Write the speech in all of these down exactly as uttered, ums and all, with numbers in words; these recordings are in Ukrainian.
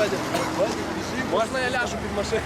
Можна я ляжу під машину?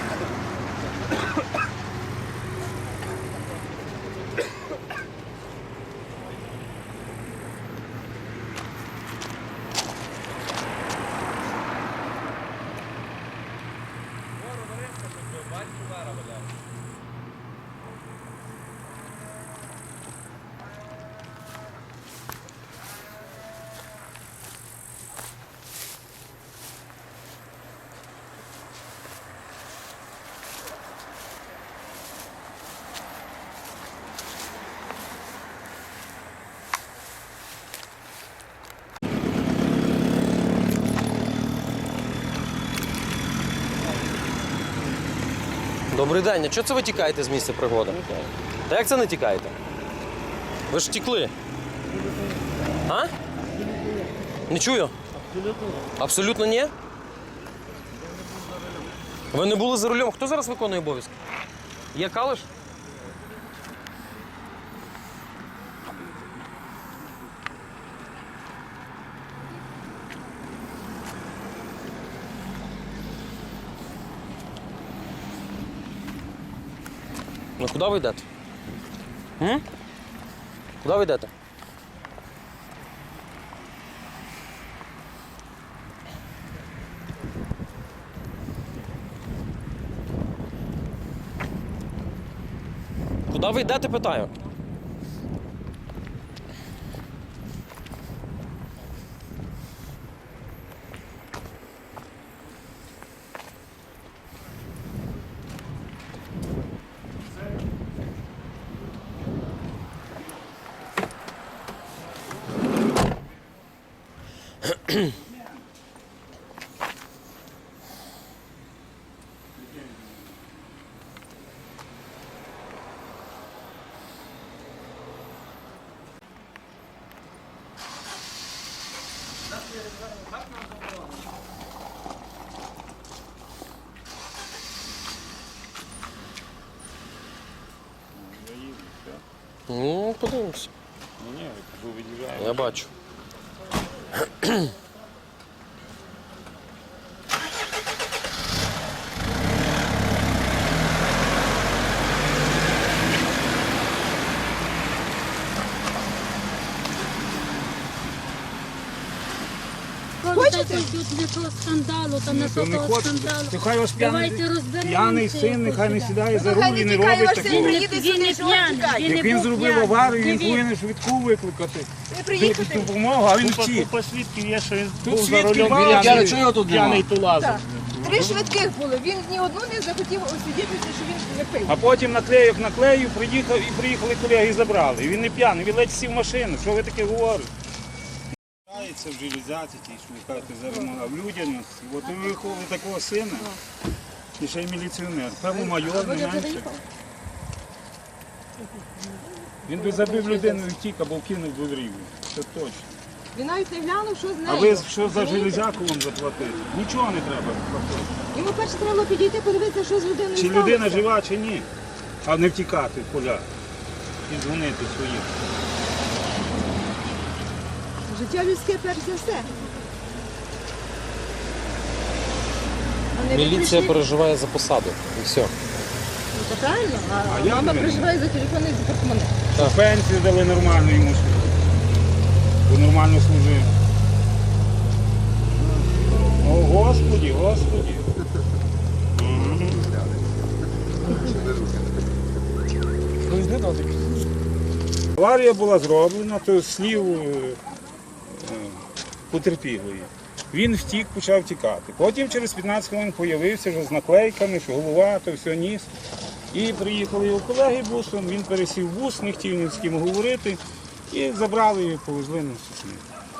Добрий день, а чого це ви тікаєте з місця пригоди? Та як це не тікаєте? Ви ж тікли. А? Не чую? Абсолютно. Абсолютно ні? Ви не були за рулем. Хто зараз виконує обов'язки? Є Калиш? Ну куди ви йдете? М? Куди ви йдете? Куди ви йдете, питаю? Ну, подивимося. Ні, ні, від'їжджає. Я бачу. Хочете? Тут не того скандалу, там не То не того хочете. скандалу. То хай вас п'яний, Давайте розберемося. п'яний син, нехай не сідає за Хай руль і не не тікає, робить ваш син такого. приїде Він сюди, не що він п'яний, тікає. він Як не він був зробив п'яний. аварію, він Він- повинен швидку викликати. Ви Дати приїхали. допомогу, а він Купа, втік. купа свідків є, що він Тут був за свідків рулем мало. п'яний, Я- чого тут п'яний тулазив. Так. Три швидких було. Він ні одну не захотів освідчитися, що він не пив. А потім наклеїв, наклеїв, приїхав і приїхали колеги і забрали. І він не п'яний, він ледь сів в машину. Що ви таке говорите? Це в железяці, ті, що ви кажете, зараз а в людяності. От ви виховали такого сина, і ще й міліціонер. Певно, майор, не менше. Він би забив людину і втік, або вкинув би в рівні. Це точно. Він навіть не глянув, що з нею. А ви що за железяку вам заплатити? Нічого не треба платити. Йому перше треба було підійти, подивитися, що з людиною Чи сталося. людина жива, чи ні. А не втікати в поля і дзвонити своїм. Життя людське перш за все. А не ви Міліція прийшли- переживає за посаду. І все. Ну, це правильно, а, А я мама не переживає за телефон і за портмоне. Пенсію дали нормально йому, бо нормально служив. О, Господі, Господі. Аварія була зроблена, то слів е, е, потерпілої. Він втік, почав тікати. Потім через п'ятнадцять хвилин з'явився вже з наклейками, що голова, то все ніс. І приїхали його колеги бусом, він пересів в бус, не хотів ні з ким говорити. І забрали його, повезли на Сосни.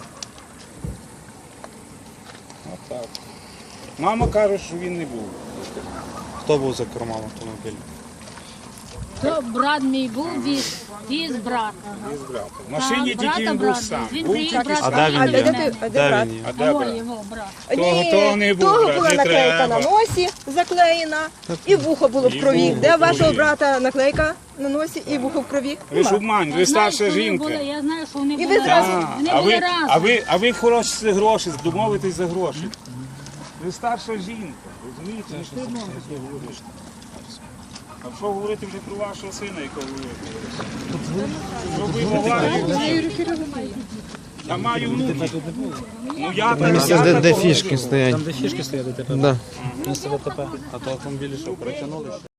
Отак. Мама каже, що він не був. Хто був за кермом автомобіля? То брат мій був, віз, віз брат. Із брата. В машині Так, тільки він брата, був сам. Він Був приїхав тільки брат. А де він А є? де, де, а де Де брат? він є? А А де вон брат? його брат. Того- того не був, того брат, була не наклейка треба. на носі заклеєна, і вухо було в І крові. вухо Де в вашого крові. брата наклейка на носі і вухо в крові? Ви ж Нема. обмань, ви Я знаю, старша що вони жінка. були, Я знаю, що вони І ви були зразу- разом. А, Вони а, були ви, разом. а, ви, а ви хороші гроші, домовитесь за гроші. Ви старша жінка, розумієте? Не стидно вам таке говорити. А що говорити вже про вашого сина, якого ви зробив аварію? Я маю внуків. Ну я так, Місце, я де, так де говорю. фішки стоять. Там, де фішки стоять, ДТП. Да. Місце ДТП. А то автомобілі що, перетягнули?